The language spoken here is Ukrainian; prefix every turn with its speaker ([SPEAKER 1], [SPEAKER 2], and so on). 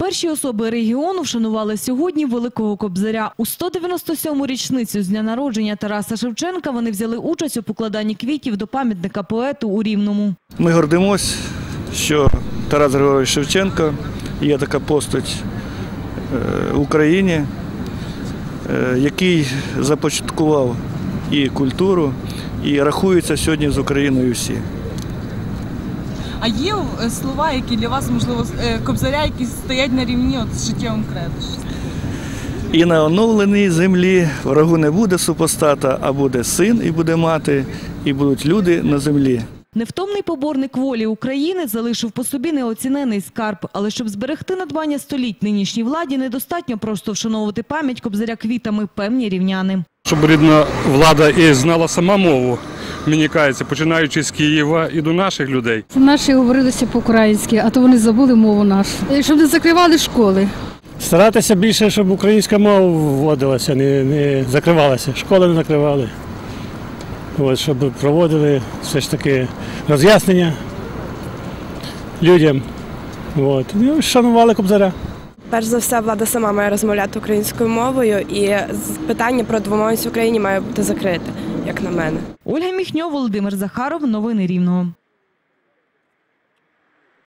[SPEAKER 1] Перші особи регіону вшанували сьогодні Великого Кобзаря. У 197-му річницю з дня народження Тараса Шевченка вони взяли участь у покладанні квітів до пам'ятника поету у Рівному.
[SPEAKER 2] Ми гордимось, що Тарас Григорович Шевченко є така постать в Україні, який започаткував і культуру, і рахується сьогодні з Україною всі.
[SPEAKER 3] А є слова, які для вас, можливо, Кобзаря, які стоять на рівні з життєвим кредо?
[SPEAKER 2] І на оновленій землі врагу не буде супостата, а буде син і буде мати, і будуть люди на землі.
[SPEAKER 1] Невтомний поборник волі України залишив по собі неоцінений скарб. Але щоб зберегти надбання століть нинішній владі, недостатньо просто вшановувати пам'ять Кобзаря квітами, певні рівняни.
[SPEAKER 4] Щоб рідна влада і знала сама мову, мені кажеться, починаючи з Києва і до наших людей.
[SPEAKER 5] Наші говорилися по-українськи, а то вони забули мову нашу. Щоб не закривали школи.
[SPEAKER 6] Старатися більше, щоб українська мова вводилася, не закривалася, школи не закривали. Щоб проводили все ж таки роз'яснення людям. І шанували Кобзаря.
[SPEAKER 7] Перш за все, влада сама має розмовляти українською мовою, і питання про двомовність в Україні має бути закрите, як на мене.
[SPEAKER 1] Ольга Міхньо, Володимир Захаров. Новини Рівного.